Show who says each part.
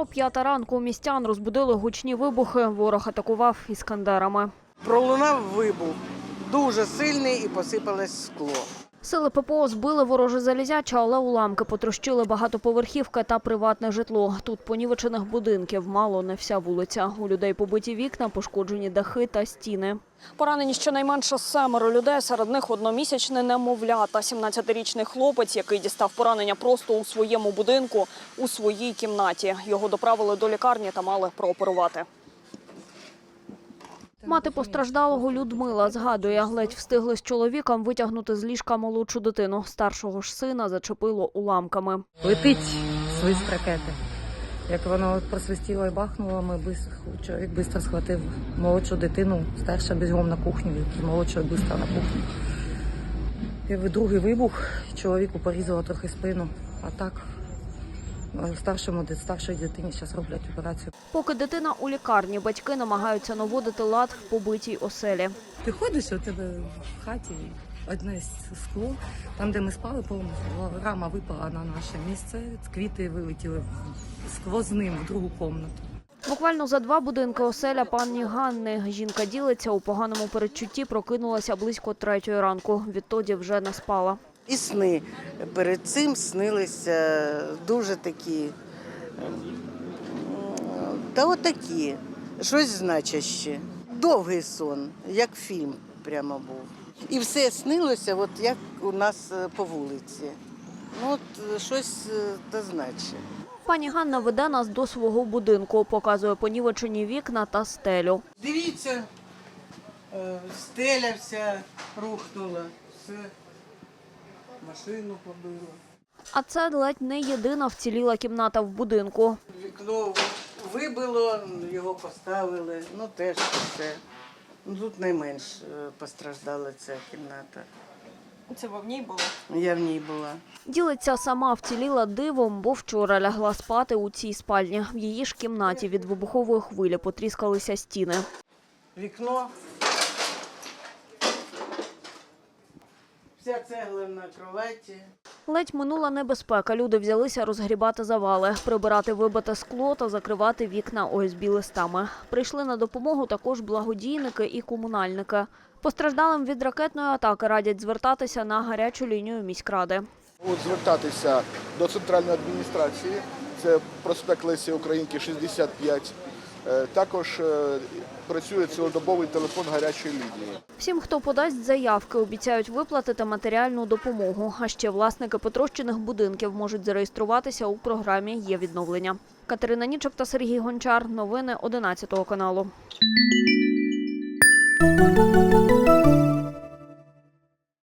Speaker 1: о 5 ранку містян розбудили гучні вибухи. Ворог атакував іскандерами.
Speaker 2: Пролунав вибух, дуже сильний, і посипалось скло.
Speaker 1: Сили ППО збили вороже залізяче, але уламки потрощили багатоповерхівки та приватне житло. Тут понівечених будинків мало не вся вулиця. У людей побиті вікна, пошкоджені дахи та стіни. Поранені щонайменше 7 людей, серед них одномісячне немовля та 17-річний хлопець, який дістав поранення просто у своєму будинку, у своїй кімнаті. Його доправили до лікарні та мали прооперувати. Мати постраждалого Людмила згадує, ледь встигли з чоловіком витягнути з ліжка молодшу дитину. Старшого ж сина зачепило уламками.
Speaker 3: Летить свист ракети. Як воно просвистіло і бахнуло, чоловік швидко схватив молодшу дитину, старша бігом на кухню, і молодшого швидко на кухню. І другий вибух, чоловіку порізало трохи спину, а так старшій дитині зараз роблять операцію.
Speaker 1: Поки дитина у лікарні, батьки намагаються наводити лад в побитій оселі.
Speaker 3: Ти ходиш, у тебе в хаті одне скло, там, де ми спали, повністю рама випала на наше місце, квіти вилетіли сквозним в другу кімнату.
Speaker 1: Буквально за 2 будинки оселя пані Ганни. Жінка ділиться, у поганому передчутті прокинулася близько 3 ранку. Відтоді вже не спала.
Speaker 2: І сни перед цим снилися дуже такі, та отакі, щось значаще. Довгий сон, як фільм прямо був. І все снилося, от як у нас по вулиці. Ну, от щось та значить.
Speaker 1: Пані Ганна веде нас до свого будинку, показує понівечені вікна та стелю.
Speaker 2: Дивіться, стеля вся рухнула, все, машину побило.
Speaker 1: А це ледь не єдина вціліла кімната в будинку.
Speaker 2: Вікно вибило, його поставили, ну теж все. Ну, тут найменш постраждала ця кімната.
Speaker 1: Це ви в ній були?
Speaker 2: Я в ній була.
Speaker 1: Ділиться сама, вціліла дивом, бо вчора лягла спати у цій спальні. В її ж кімнаті від вибухової хвилі потріскалися стіни.
Speaker 2: Вікно. Вся цегла на кроваті.
Speaker 1: Ледь минула небезпека. Люди взялися розгрібати завали, прибирати вибите скло та закривати вікна ОСБ-листами. Прийшли на допомогу також благодійники і комунальники. Постраждалим від ракетної атаки радять звертатися на гарячу лінію міськради.
Speaker 4: Звертатися до центральної адміністрації, це проспект Лесі Українки, 65. Також працює цілодобовий телефон гарячої лінії.
Speaker 1: Всім, хто подасть заявки, обіцяють виплатити матеріальну допомогу. А ще власники потрощених будинків можуть зареєструватися у програмі «Є відновлення». Катерина Нічок та Сергій Гончар. Новини 11 каналу.